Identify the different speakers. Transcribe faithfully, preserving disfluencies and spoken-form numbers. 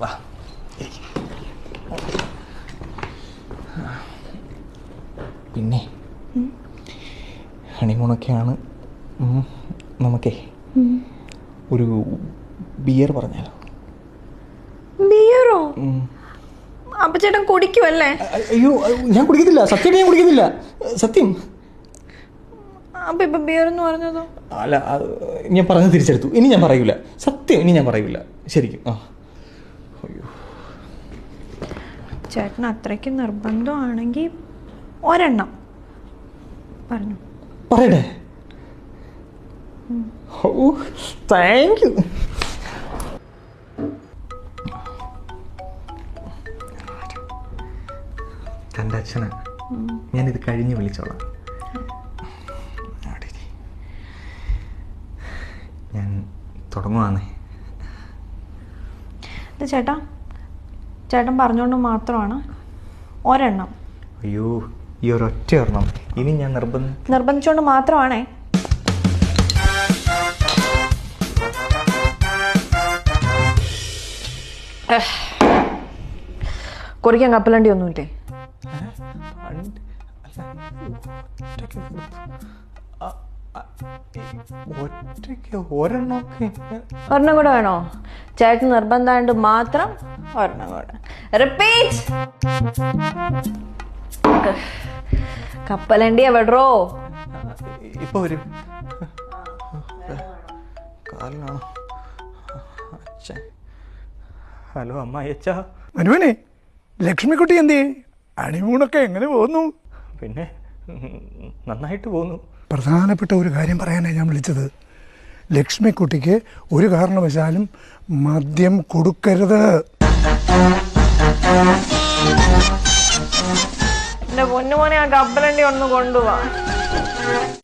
Speaker 1: വാ. പിന്നെ ഹണിമൂണൊക്കെയാണ്, നമുക്കേ ഒരു ബിയർ പറഞ്ഞാലോ?
Speaker 2: ബിയറോ? അപ്പൊ ചേട്ടൻ കുടിക്കുമല്ലേ?
Speaker 1: അയ്യോ, ഞാൻ കുടിക്കത്തില്ല, സത്യം ഞാൻ കുടിക്കത്തില്ല, സത്യം.
Speaker 2: അപ്പൊ ഇപ്പൊ ബിയർ എന്ന് പറഞ്ഞതോ?
Speaker 1: അല്ല, ഞാൻ പറഞ്ഞത് തിരിച്ചെടുത്തു. ഇനി ഞാൻ പറയൂല, സത്യം, ഇനി ഞാൻ പറയൂല, ശരിക്കും. ആ അയ്യോ,
Speaker 2: ചേട്ടൻ അത്രയ്ക്ക് നിർബന്ധമാണെങ്കിൽ ഒരെണ്ണം പറഞ്ഞു.
Speaker 1: പറയട്ടെ? ഓ, താങ്ക് യു. തൻ്റെ അച്ഛനാ, ഞാനിത് കഴിഞ്ഞ് വിളിച്ചോളാം. ഞാൻ തുടങ്ങുവാന്നേ.
Speaker 2: ചേട്ടാ, ചേട്ടൻ പറഞ്ഞുകൊണ്ട് മാത്രമാണ് ഒരെണ്ണം.
Speaker 1: അയ്യോ, ഈ ഒരൊറ്റ ഒരെണ്ണം. ഇനി ഞാൻ നിർബന്ധം
Speaker 2: നിർബന്ധിച്ചുകൊണ്ട് മാത്രമാണേ. കുറിക്കാൻ കപ്പലണ്ടി ഒന്നുമില്ലേ?
Speaker 1: ഒറ്റയ്ക്ക് ഒരെണ്ണമൊക്കെ.
Speaker 2: ഒരെണ്ണം കൂടെ വേണോ? ചേട്ടൻ നിർബന്ധമായിട്ട് മാത്രം ഒരെണ്ണം കൂടെ. റിപ്പീറ്റ്. കപ്പലണ്ടി എവിടോ?
Speaker 1: ഇപ്പൊ ഒരു കാലിനാണോ? ഹലോ അമ്മായിയച്ച.
Speaker 3: മനുവനെ, ലക്ഷ്മിക്കുട്ടി എന്തേ? ഹണിമൂണൊക്കെ എങ്ങനെ പോകുന്നു?
Speaker 1: പിന്നെ നന്നായിട്ട് പോകുന്നു.
Speaker 3: പ്രധാനപ്പെട്ട ഒരു കാര്യം പറയാനാണ് ഞാൻ വിളിച്ചത്. ലക്ഷ്മിക്കുട്ടിക്ക് ഒരു കാരണവശാലും മദ്യം കൊടുക്കരുത്.
Speaker 2: എന്റെ പൊന്നുമോനെ, ആ കപ്പലണ്ടി ഒന്ന് കൊണ്ടുപോവാ.